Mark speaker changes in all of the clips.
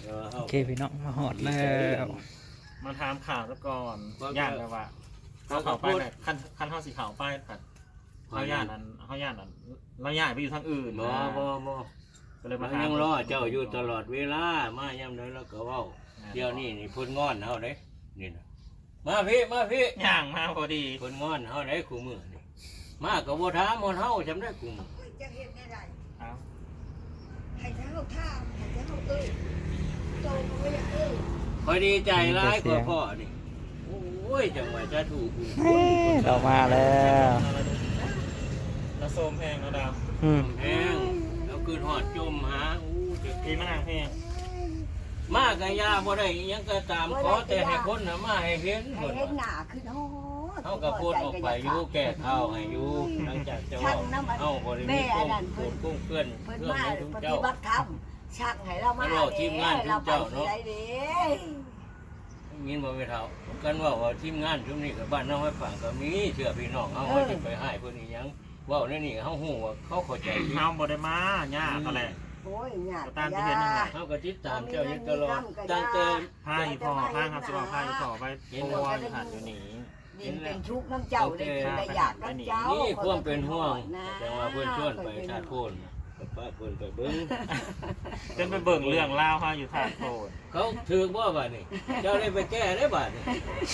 Speaker 1: โอเคพี่น้องมาหอดแล้ว
Speaker 2: มาถามข่าวซะก่อนย่านแบบว่าเขาไปเนี่ยขั้นเข้าสีขาวไปผัดเขาย่านนั้นเราย่านไปอยู่ทางอื่น
Speaker 3: บ่
Speaker 2: ก็เลยมา
Speaker 3: ยังรอเจ้าอยู่ตลอดเวลามาย่ำใดเราก็เว้าเดี๋ยวนี้นี่พุ่นงอนเฮาเด้นี่นะมาพี่
Speaker 2: ย่างมาพอดี
Speaker 3: พุ่นงอนเฮาได้คู่มือนี่มาก็บ่ถามเฮาจำได้คู่มือ
Speaker 4: จะเห็นได้
Speaker 2: เอา
Speaker 4: ให้เท้าท่าให้เท้าโตก็ไม่อยาก
Speaker 3: คอยดีใจร้ายกว่าพ่อนี่โอ้ยจังหวะจะถูก
Speaker 1: เรามาแล้ว
Speaker 2: เราโซมแพงเราดาว
Speaker 3: แพงแล้วคืนหอดจมหาจะ
Speaker 2: ปีมะนาวแพง
Speaker 3: มากกะยาบ่ได้ยังก็ตามขอแต่ให้คนน่ะมาให้เห็น
Speaker 4: ให้
Speaker 3: เพิ่น
Speaker 4: เห็นหน้าขึ้นโอ้
Speaker 3: เฮาก็พูดออกไปอยู่แก้ข้าวให้อยู่หลังจากจะเว้าเฮาบ่ได้มีกุ้งเพื่อน
Speaker 4: เพิ่น
Speaker 3: เรื่อง
Speaker 4: มา
Speaker 3: ให้ทุก
Speaker 4: ปฏิ
Speaker 3: เจ้า
Speaker 4: บัติธรรมชักให้เรามาเราไปที่ไหนดี
Speaker 3: ยินบ่แม่เฒ่ากันว่าทีมงานชุมนี้กับบ้านน้องให้ฟังก็มีเชื่อพี่น้องเฮาว่าสิไปให้เพิ่นอีหยังเว้าในนี่เฮาฮู้ว่าเขาเข้าใจผิด
Speaker 2: เฮาบ่ได้มาย่าเขาแหละ
Speaker 4: โอ้ยหยาด
Speaker 2: ตามที่เห็นนั่นแหละ
Speaker 3: เฮาก็ติดตามเจ้าอยู่ตลอดตั้งแต่
Speaker 2: พาอีพ่อพาครับสิว่าพาอีพ่อไปโปรยหันอยู่นี่
Speaker 4: ดินเป็นชุกน้ำเจ้าได้กินได้อยากน้ำเจ้า
Speaker 3: นี่ความเป็นห่วงแต่ว่าเพิ่นชวนไปชาติโพนป้าเพิ่นไปเบิ่ง
Speaker 2: จนไปเบิ่งเรื่องเล่าเขาอยู่ทางโทน
Speaker 3: เขาถือบ่บัดนี้เจ้าได้ไปแก้ได้บัดนี้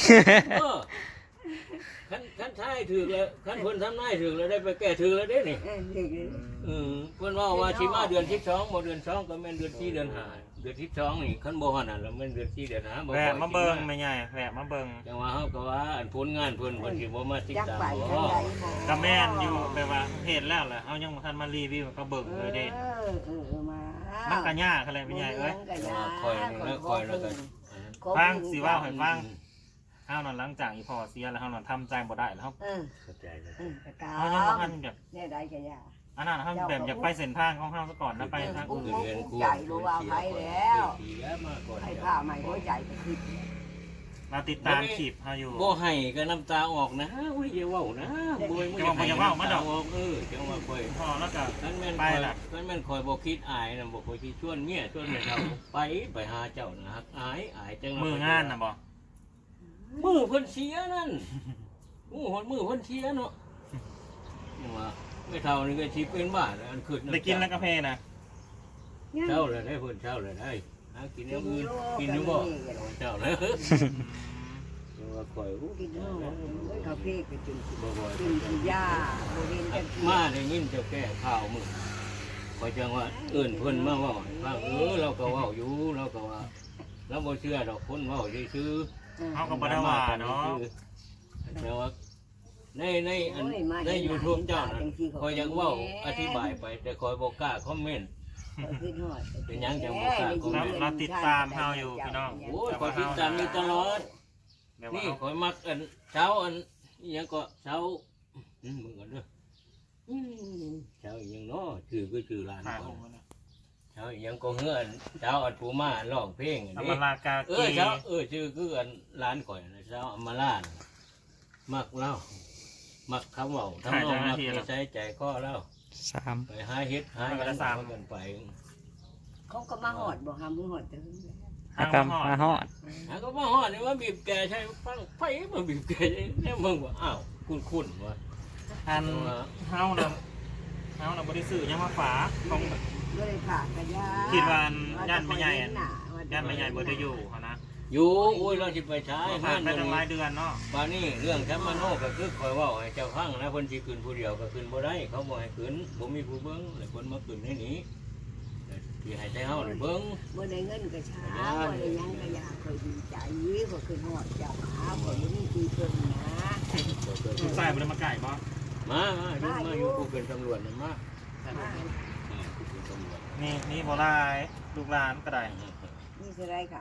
Speaker 3: คันท้ายถือแล้วคันเพิ่นทำนายถือแล้วได้ไปแก้ถือแล้วเด้นี่เพิ่นว่าสิมาเดือน12บ่เดือน2ก็แม่นเดือน4เดือน5เดือน12นี่คันบ่ฮอดนั่นแล้วแม่นเดือน4เดือน5บ่
Speaker 2: แวะมาเบิ่งไม่ใหญ่แวะมาเบิ่ง
Speaker 3: จังว่าเฮาก็ว่าอันผลงานเพิ่นเพิ่นสิบ่มาติดตามบ่
Speaker 2: ก็แม่นอยู่แบบว่าเห็นแล้วแหละเอายังบ่ทันมารีวิวก็เบิ่งเลยเด้ มันก็ยากอะไรไม่ใหญ่เอ้ย
Speaker 3: คอยนี่แล้วคอยแล้วกัน
Speaker 2: ฟังสิว่าให้ฟังเฮานอนหลังจากอีพ่อเสียแล้วเฮานอนทำใจบ่ได้แล้วเฮา
Speaker 3: เข้าใจแล้ว
Speaker 2: เฮายังบ่ทันแบบ
Speaker 4: เนี่ยได้แก่ยา
Speaker 2: อันนั้นเฮาแบบอยากไปเส้นทางของเฮาซะก่อนแล้วไปทางอื่น
Speaker 3: เรียนครูเสียมาก่อน
Speaker 4: ให้ผ้าใหม่หัวใจก็คือ
Speaker 2: เราติดตามคลิปเฮาอยู่
Speaker 3: บ่ให้ก็น้ำตาออกนะโอ้ยอย่าเว้านะบ่จังว่าค่อย
Speaker 2: พอแล้วก็
Speaker 3: นั่นแม่น
Speaker 2: ไป
Speaker 3: ค่อย
Speaker 2: ล่ะ
Speaker 3: นั่นแม่นค่อยบ่คิดอายน่ะบ่ค่อยคิดชวนเมียชวนแม่เฒ่าไปหาเจ้านะฮักอายจัง
Speaker 2: มืองานน่ะบ่
Speaker 3: มือเพิ่นเสียนั่นมือเพิ่นเสียเนาะว่าแม่เฒ่านี่ก็สิเป็นบ้าอันขึ้น
Speaker 2: ได้กินแล้วกาแฟนะ
Speaker 3: เช้าเลยได้เพิ่นเช้าเลยได้หากินอย่างอื่นกินอยู่บ่เช้าเลยว่าคอย
Speaker 4: กินกาแฟก็กิน
Speaker 3: บ่บ่
Speaker 4: กินยาบริเวณกัน
Speaker 3: มาได้ยินเจ้าแก้ข่าวมึงคอยจังว่าเอิ้นเพิ่นมาเว้าว่าเราก็เว้าอยู่เราก็ว่าเราบ่เชื่อดอกคนเว้าซื่อ
Speaker 2: เฮาก็บ่ได้ว่าเนาะ
Speaker 3: แต่ว่าใน YouTube เจ้าน่ะคอยยังเว้าอธิบายไปแต่คอยบ่กล้าคอมเมนต์ เป็นหยังจังบ่กล้าคอมเมนต์
Speaker 2: เราติดตามเฮาอยู่พี่น้อง
Speaker 3: โอ้ยคอยติดตามอยู่ตลอด
Speaker 2: แบบว่า
Speaker 3: นี่คอยมักอันเช้าอันอิหยังก็เช้ามึงก่อนเด้อเช้าอีหยังเนาะชื่อร้าน
Speaker 2: ถ่าย
Speaker 3: ก่
Speaker 2: ผ
Speaker 3: อน
Speaker 2: มนะ
Speaker 3: เช้าอีหยังก็เฮือนเช้าอันผู้มาร้องเพลงอัน
Speaker 2: อ
Speaker 3: นี้
Speaker 2: มรากา
Speaker 3: เอ
Speaker 2: กี
Speaker 3: อเช้าชื่อคืออันร้านข่อยนะเช้าอำมาลาน่ะมักเล่ามักคำเว้าทำนองมักนิสัยใจคอเล่า
Speaker 1: 3
Speaker 3: ไปหาเฮ็ดหาหยังกันไป
Speaker 4: เขาก็มาหอดบอกหามือหอดแต่
Speaker 1: อากรรมมาหอด
Speaker 3: หาก็มาฮอดนี่ว่าบีบแกใช่ฟังไผมาบีบแกเนี่ยมึงว่าอ้าวคุ้นๆว่า
Speaker 2: อันเฮาน่ะบ่ได้ซื้อยังมาฝากของ
Speaker 4: ไม่ได้ผ่ากระยาย่านไม่ใหญ่
Speaker 2: บ่ได้อยู่เฮานะ
Speaker 3: อยู่โอ้ยเราสิไปใช้
Speaker 2: ผ่านไปตั้งหลายเดือนเนาะ
Speaker 3: บานี้เรื่องแคมมาโนก็คือคอยเว่าให้เจ้าฟังนะเพิ่นสิขึ้นผู้เดียวก็ขึ้นบ่ได้เขาบ่ให้ขึ้นบ่มีผู้เบิ่งแล้วเพิ่นมาขึ้นให้หนีสิให้แต่เฮาได้เบิ่ง
Speaker 4: เมื่อได้เงินกระช้าเมื่อได้ยังกระยาเคยดีใจก็คือหอดเจ้าขาคนนี้ตีเพิ่นนะ
Speaker 2: ลูกชายบ่ได้มาไก่บ่
Speaker 3: มาอยู่ผู้เป็นตำรวจน่ะมาผู้เป็นตำรวจ
Speaker 2: นี่บ่หลายลูกหลานก็ได้
Speaker 4: นี่คือไรเขา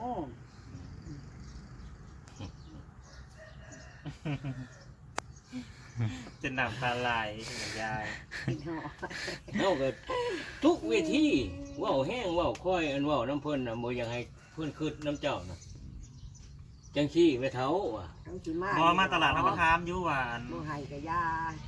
Speaker 2: จะน้ำตาไหลยาย
Speaker 4: กินหอด
Speaker 3: เฮาก็ทุกวิธีเว้าแห้งเว้าค่อยอันเว้าน้ำเพิ่นน่ะบ่อยากให้เพิ่นคิดน้ำเจ้าน่ะจังซี่ไปเฒ่าว่ะ
Speaker 4: ทั้งที่มา
Speaker 2: บ่มาตลาดเราก็ถามอยู่ว่า
Speaker 4: บ่ให้กระยา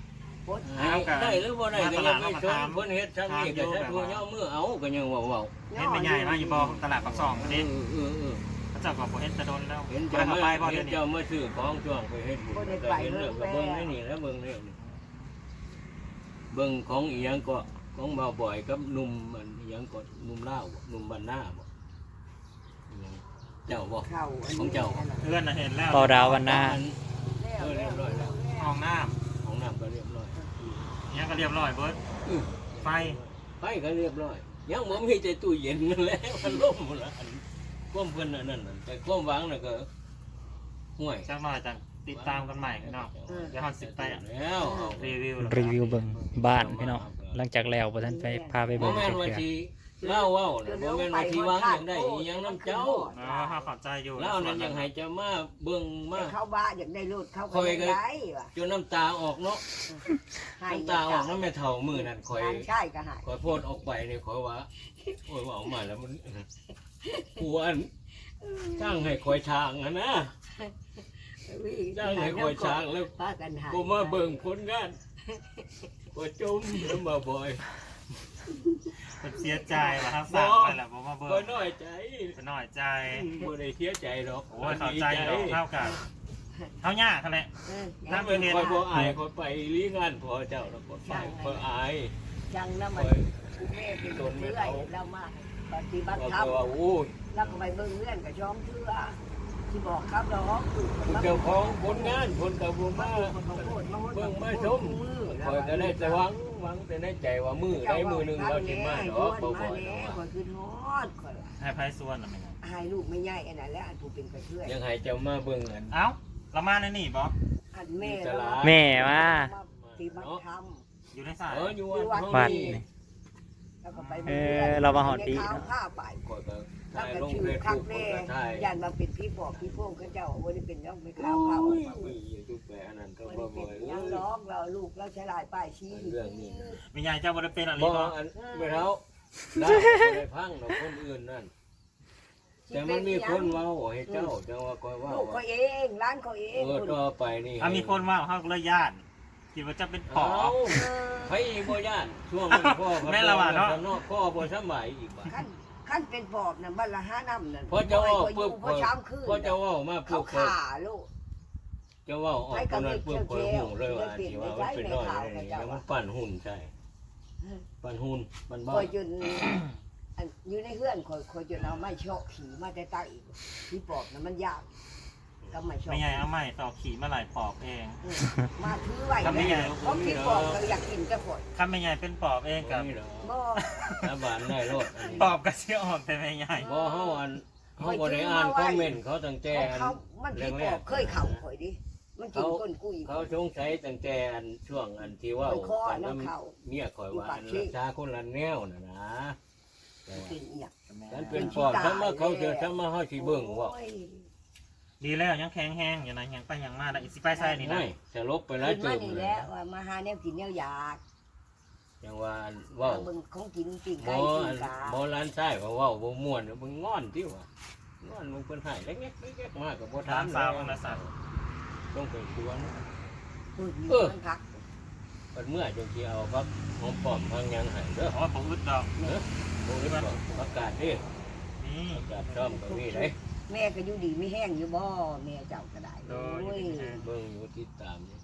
Speaker 4: พด
Speaker 3: ได้หรือบ่ได้ก็ยังไม่ชนเพิ่นเฮ็ดทางนี้ก็ถ้าทั่วย่อมือเอาก็ยังเว้า
Speaker 2: เห็นไม่ใหญ่มาอยู่บ่ตลาดปากซองนี่
Speaker 3: ๆ
Speaker 2: พระเจ้าก็บ่เห็นจะโดนแล้ว
Speaker 3: เห็นเจ้ามาเห็นเจ้ามาซื้อของช่วงไปเฮ็ดบุญก็เห็นเรื่องก็เบิ่งนี่แล้วเบิ่งนี่เบิ่งของอีหยังก็ของบ่าวบ่อยกับหนุ่มอันอีหยังก็หนุ่มลาวหนุ่มบ้านนาบ่เจ้าบ่
Speaker 4: เข้า
Speaker 2: เพื่อนน่ะเห็นแล้ว
Speaker 1: เป่าดาววันหน้า
Speaker 3: เรียบร้อยแล้ว
Speaker 2: ห้องน้
Speaker 3: ของน้ำก็เรียบร้อย
Speaker 2: ำเนี่ยก็เรียบร้อยเบิดไฟ
Speaker 3: ไฟก็เรียบร้อยยังบ่มีแต่ตู้เย็นนั่นแหละมันล่มหมดละอันความเพิ่นนั่นแต่ความหวังน่ะก็ห่วย
Speaker 2: จักหน่อยจังติดตามกันใหม่เนาะเดี๋ยวเฮาสิไป
Speaker 3: แล้วเอา
Speaker 2: รีวิว
Speaker 1: รีวิวเบิ่งบ้านพี่น้องหลังจากแล้วบ่ทันไปพาไป
Speaker 3: บ่
Speaker 1: เบิ่ง
Speaker 3: แม่น
Speaker 1: เทื่
Speaker 3: ว่า
Speaker 1: อ
Speaker 3: สิเล่าเว้าน่ะบ่แม่นว่าสิหวังอย่างใดอีหยังนำเจ้า
Speaker 2: เนาะเฮาเข้าใจอยู่
Speaker 3: เล่านั้นยังให้เจ้ามาเบิ่งมา
Speaker 4: เข้าบ้านอยากได้รถเข้าก็ได้ว่ะ
Speaker 3: จนน้ำตาออกเนาะน้ำตาออกน้ำแม่เฒ่ามื้อนั้นข่อย
Speaker 4: ใช่ก็หาย
Speaker 3: ข่อยโพดออกไปนี่ข่อยว่าโอ้ยว่าออกมาแล้วมันกลัวอันจ้างให้ข่อยช้างอะนะจ้างให้ข่อยช้างแล้ว
Speaker 4: พากันหาย
Speaker 3: บ่มาเบิ่งผลงานข่อยจมแล้วมาบ่อย
Speaker 2: เพิ่นเสียใจว่าทั้งสั่งไปแล้วบ่มาเบิ่
Speaker 3: ข่อย
Speaker 2: ง
Speaker 3: น้อยใจ
Speaker 2: เพิ่นน้อยใจ
Speaker 3: บ่ได้เสียใจหรอก
Speaker 2: โอ้ยเข้าใจดอกเท่ากันเท่ายากกันแหละ
Speaker 3: ถ้าเป็นข่อยบ่อายข่อยไปลีงานพ่อเจ้าแล้วก็ไปข่อยอาย
Speaker 4: จังแล้วมันแม่เป็นคนเรื่อยเรามาปฏิบัติธรรม
Speaker 3: ว่าโอ้ย
Speaker 4: แล้วก็ไปเบิ่งเงื่อนกับช่องเชื่อที่บอกครับเราฮอก
Speaker 3: เจ้าของผลงานผลกับบ่มาเบิ่งมาชมข่อยก็ได้แต่หวังแต่ในใจว่ามือใดมือหนึงเราสิมาดอกบ่บ่อย
Speaker 4: ข่อยคือฮอดข่อย
Speaker 2: ให้ไผส่วนน่ะแม่น
Speaker 4: ให้ลูกไม่ใหญ่อันนั้นแล้วอันผู้เป็นกระเทือย
Speaker 3: ยังให้เจ้ามาเบิ่งอัน
Speaker 2: เอ้าเรามาในนี่บ่
Speaker 4: อันแม่
Speaker 1: แม่ว่า
Speaker 4: ปฏิบัติธรรม
Speaker 2: อยู่ในสาย
Speaker 3: อยู่วัด
Speaker 1: วัด
Speaker 3: นี่
Speaker 1: นี่
Speaker 4: แล้วก็ไป
Speaker 1: เรามาหอดดี
Speaker 4: ข้าวผ้าไป
Speaker 3: ข่อยก็
Speaker 4: แล้ว
Speaker 3: ถ่าย
Speaker 4: ก็
Speaker 3: ลง
Speaker 4: ชื่อ
Speaker 3: เฟซ
Speaker 4: คัก
Speaker 3: บุ๊ก
Speaker 4: แม่
Speaker 3: ก็ถ่าย
Speaker 4: ยันมาเป็นพี่บอกพี่พวกเขาเจ้าบ่ได้เป็นย่องไป
Speaker 3: โอ้
Speaker 4: ข้าว
Speaker 3: ยมีอยู่แปอันนั้นก็
Speaker 4: บ่
Speaker 3: บ่
Speaker 4: ได้
Speaker 3: บ่
Speaker 4: เป็น
Speaker 3: อย
Speaker 4: ยังร้องเราลูกเราใช้ลายป้ายชี้
Speaker 3: เรื่องนี้
Speaker 2: แม่ใหญ่เจ้าบ่ได้เป็นอะไร
Speaker 3: บ่
Speaker 2: บ่
Speaker 3: อันไม่เท่าได้บ่ได้พังดอกคนอื่นนั่นแต่มันมีคนเว้าให้เจ้าจังว่าข่อยเว้า
Speaker 4: ลูกเขาเองร้านเขาเอง
Speaker 3: ต่อไปนี่
Speaker 2: มีคนว่าเฮาก็เลยย่านคิดว่าจะเป็นปอบ
Speaker 3: ไผบ่ย่านช่วงนั้นพ่อ
Speaker 2: แม่ละว่าเนาะ
Speaker 3: พ่อบ่สำบายอีกบ่
Speaker 4: ขั้นเป็นปอบน่ะบ้านละ5น้ำนั่น
Speaker 3: พอเจ้าเว้าปุ๊บ
Speaker 4: พอช้ำคืน
Speaker 3: พอเจ้าเว้ามา
Speaker 4: เขา
Speaker 3: ปุ๊บ
Speaker 4: ขาลูก
Speaker 3: เจ้าเว้าออกตอนนั้นปุ๊บข่อยฮู้เลยว่าสิว่ามันเป็นน้อยมันปั่นหุ่นใช่ปั่นหุ่นปั่นบ้า
Speaker 4: คอยจนอยู่ในเฮือนคอยจนเอาไม้โชกขี่มาแต่ใต้อีกที่ปอบน่ะมันยากก็ไม่ชอบ
Speaker 2: แม่ใหญ่เอาไม้ต่อขี่มาหลายปอบเอง
Speaker 4: มาถือไว้
Speaker 2: ก็ไม่ใหญ่
Speaker 4: เพราะพี่ปอบก็อยากกินจะฝน
Speaker 2: ถ้าแม่ใหญ่เป็นปอบเองกับ
Speaker 4: บ่
Speaker 3: น้ำบานได้รถ
Speaker 2: ปอบก็สิออกแต่แม่ใหญ่
Speaker 3: บ่เฮาอันเฮาบ่ได้อ่านคอมเมนต์เขาตั้งแต่อัน
Speaker 4: เขามันพี่ปอบเคยเข่าข่อยดิมันกินก้นกุ้ย
Speaker 3: เขาสงสัยตั้งแต่อันช่วงอันที่ว่า
Speaker 4: มันคอน้ำเข่า
Speaker 3: เมียข่อยว่าอันรักษาคนละแนวน่ะนะแต่ว่า
Speaker 4: กินอีหยัง
Speaker 3: ฉันเป็นปอบถ้ามาเขาเจอถ้ามาเฮาสิเบิ่งว่า
Speaker 4: โอ้ย
Speaker 2: ดีแล้วยังแข็งแห้งอยู่นะยังไปยังมาได้อีสิไปใส่นี่นะ
Speaker 3: ไม่สลบไปแล้ว
Speaker 4: กิน
Speaker 3: เจิ
Speaker 4: มาม นี่
Speaker 3: เล
Speaker 4: แล้
Speaker 3: ยว
Speaker 4: ว่ามาหาแนวกินแนวอยาก
Speaker 3: จังว่าเว้า
Speaker 4: เบิ่งของกินปิ้ง
Speaker 3: บ่
Speaker 4: ไก่ปิ้งกา
Speaker 3: บ่ร้านชายว่าเว้าบ่ม่วนมึงงอนติว่างอนมึงเพิ่นให้เล็กๆมาก็บ่ถา
Speaker 2: ถาม มสาวนะสัตว์
Speaker 3: ต้องไปชวน
Speaker 4: พูดอยู่มันคัก
Speaker 3: เพิ่นเมื่อจังสิเอาครับหอมป้อมทางยังให้เด้อ
Speaker 2: เพราะว่าผมอึดดอก
Speaker 3: บ่ได้บอกประกาศดิ
Speaker 2: นี่
Speaker 3: ประกาศซ่อมก็มีเด้
Speaker 4: แม่ก็อยู่ดีไม่แห้งอยู่บ่แม่เจ้าก็ได้โอ้ย
Speaker 3: เบิ่งอยู่ติดตามอยู่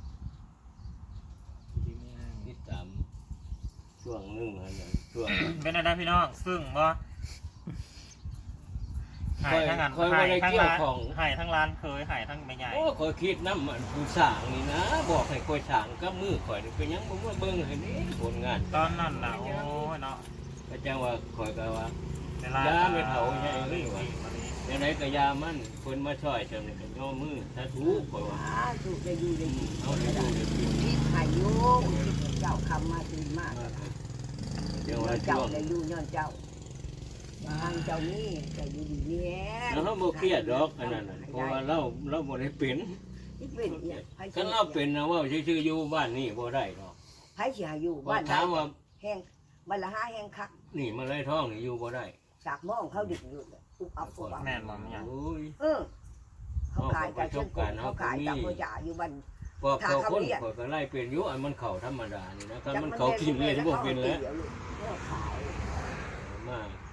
Speaker 3: ติดตามช่วงหนึงหั่นน่ะช่วง
Speaker 2: เป็นอะไรพี่น้องซึ่งบ่หายทั้งงาน
Speaker 3: ค่อยบ่
Speaker 2: หาย
Speaker 3: ได้
Speaker 2: ทั้ง
Speaker 3: เกี่ยว
Speaker 2: ร้าน
Speaker 3: ของ
Speaker 2: หายทั้งร้านเคยหายทั้งแม่ใหญ่
Speaker 3: โอ้ข่อยคิดนำอันผู้สร้างนี่นะบอกให้ข่อยสร้างกับมือข่อยนี่เป็นหยังบ่มาเบิ่งให้นี่ผลงาน
Speaker 2: ตอนนั้นน่ะโอ้ยเนาะ
Speaker 3: ก็จังว่าข่อยก็ว่า
Speaker 2: เวลา
Speaker 3: ย่าไม่เฒ่าใหญ่เลยว่ะ
Speaker 2: มานี่
Speaker 3: จังไดก็ยามันเพิ่นมาช่วยจังนี่ก็ย่อมือถ้าถูกข่อยว่า
Speaker 4: ถูกจะอยู่ได้กิน
Speaker 3: เอาได้ดูได้กิน
Speaker 4: คิดให้อยู่คิดเจ้าคำมาตื่นมาก
Speaker 3: จังว่า
Speaker 4: เจ้า
Speaker 3: ช่วง
Speaker 4: ได้อยู่ย้อนเจ้าทางเจ้านี่จะอยู่ดีนี่
Speaker 3: แล้วเฮาบ่เครียดดอกอันนั้นน่ะเพราะว่าเราบ่ได้เป็น
Speaker 4: ที่เป็นเนี่ยไผ
Speaker 3: คันเราเป็นนะว่าชื่อๆอยู่บ้านนี่บ่ได้ดอก
Speaker 4: ไผสิหาอยู่
Speaker 3: ว่า
Speaker 4: บ้าน
Speaker 3: ถามว่า
Speaker 4: แห้งบ้านละ5แห้งคัก
Speaker 3: นี่มาไล่ท้องนี่อยู่บ่ได้
Speaker 4: สากมองเขาดึกอยู่อุบอับอุบอับ
Speaker 2: แม่นบ่แม่ใหญ่
Speaker 3: โอ้ย
Speaker 4: เขาขายกับเช่นเขาขายกับพ่อจ๋าอยู่บ้าน
Speaker 3: พอเขาคนข่อยก็ไล่เป็นอยู่อันมันเข้าธรรมดานี่นะคันมันเข้ากินเลยบ่เป็นแล้วมา